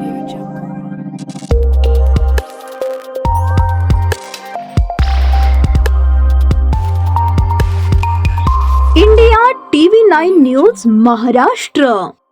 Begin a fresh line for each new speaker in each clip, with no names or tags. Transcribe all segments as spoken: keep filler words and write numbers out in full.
Audio Jungle.
India TV nine news Maharashtra.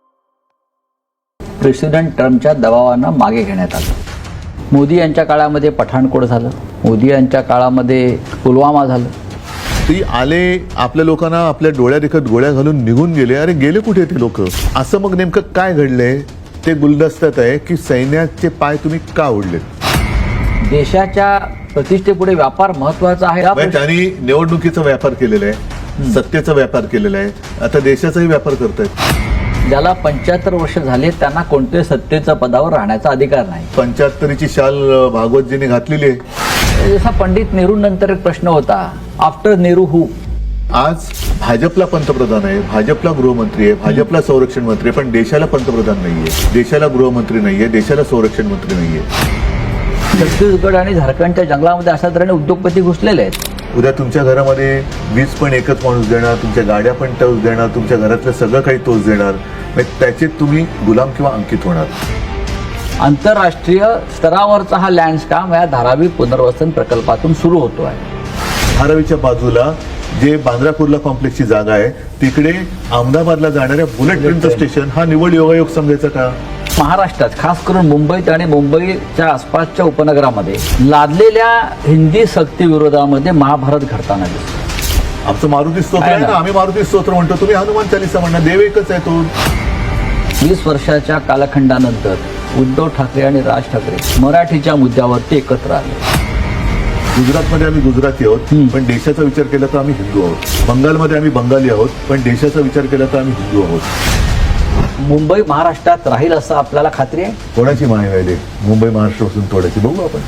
President ट्रम्पच्या दबावानं मागे घेण्यात आलं. मोदी यांच्या काळामध्ये पठाणकोट झालं, मोदी यांच्या काळामध्ये पुलवामा झालं.
ती आले, आपल्या लोकांना आपल्या डोळ्यादेखत गोळ्या घालून निघून गेले. अरे गेले कुठे ते लोक? असं मग नेमकं काय घडलंय ते गुलदस्त्यात आहे की सैन्याचे पाय तुम्ही का ओढले?
देशाच्या प्रतिष्ठेपुढे व्यापार महत्वाचा आहे. हा
म्हणजे त्यांनी निवडणुकीचा व्यापार केलेला आहे, सत्तेचा व्यापार केलेला आहे, आता देशाचाही व्यापार करतायत.
ज्याला पंच्याहत्तर वर्ष झाले त्यांना कोणत्याही सत्तेच्या पदावर राहण्याचा अधिकार नाही.
पंच्याहत्तरीची शाल भागवतजींनी घातलेली आहे.
जसा पंडित नेहरू नंतर एक प्रश्न होता, आफ्टर नेहरू हू?
आज भाजपला पंतप्रधान आहे, भाजपला गृहमंत्री आहे, भाजपला संरक्षण मंत्री आहे, पण देशाला पंतप्रधान नाहीये, देशाला गृहमंत्री नाहीये, देशाला संरक्षण मंत्री नाहीये.
छत्तीसगड आणि झारखंडच्या जंगलामध्ये अशा तऱ्हेने उद्योगपती घुसलेले आहेत.
उद्या तुमच्या घरामध्ये वीज पण एकच माणूस देणार, तुमच्या गाड्या पण तोच देणार, तुमच्या घरातलं सगळं काही तोच देणार. म्हणजे त्याचे तुम्ही गुलाम किंवा अंकित होणार.
आंतरराष्ट्रीय स्तरावरचा हा लँडस्काम या धारावी पुनर्वसन प्रकल्पातून सुरू होतो आहे.
धारावीच्या बाजूला जे बांद्रा कुर्ला कॉम्प्लेक्सची जागा आहे तिकडे अहमदाबादला जाणाऱ्या बुलेट ट्रेनचं स्टेशन हा निवड योगायोग समजायचा का?
महाराष्ट्रात खास करून मुंबईत आणि मुंबईच्या आसपासच्या उपनगरामध्ये लादलेल्या हिंदी सक्ती विरोधामध्ये महाभारत घडताना दिसतो.
आमचं मारुती स्तोत्र
आहे
आहे ना,
ना.
आम्ही मारुती स्तोत्र म्हणतो, तुम्ही हनुमान चालीसा म्हणणार. देव एकच आहे तो.
वीस वर्षाच्या कालखंडानंतर उद्धव ठाकरे आणि राज ठाकरे मराठीच्या मुद्द्यावरती एकत्र आले.
गुजरातमध्ये आम्ही गुजराती आहोत, पण देशाचा विचार केला तर आम्ही हिंदू आहोत. बंगालमध्ये आम्ही बंगाली आहोत, पण देशाचा विचार केला तर आम्ही हिंदू आहोत.
मुंबई महाराष्ट्रात राहील असं आपल्याला खात्री आहे?
कोणाची माय व्हायली मुंबई महाराष्ट्रापासून तोडायची? बघू आपण.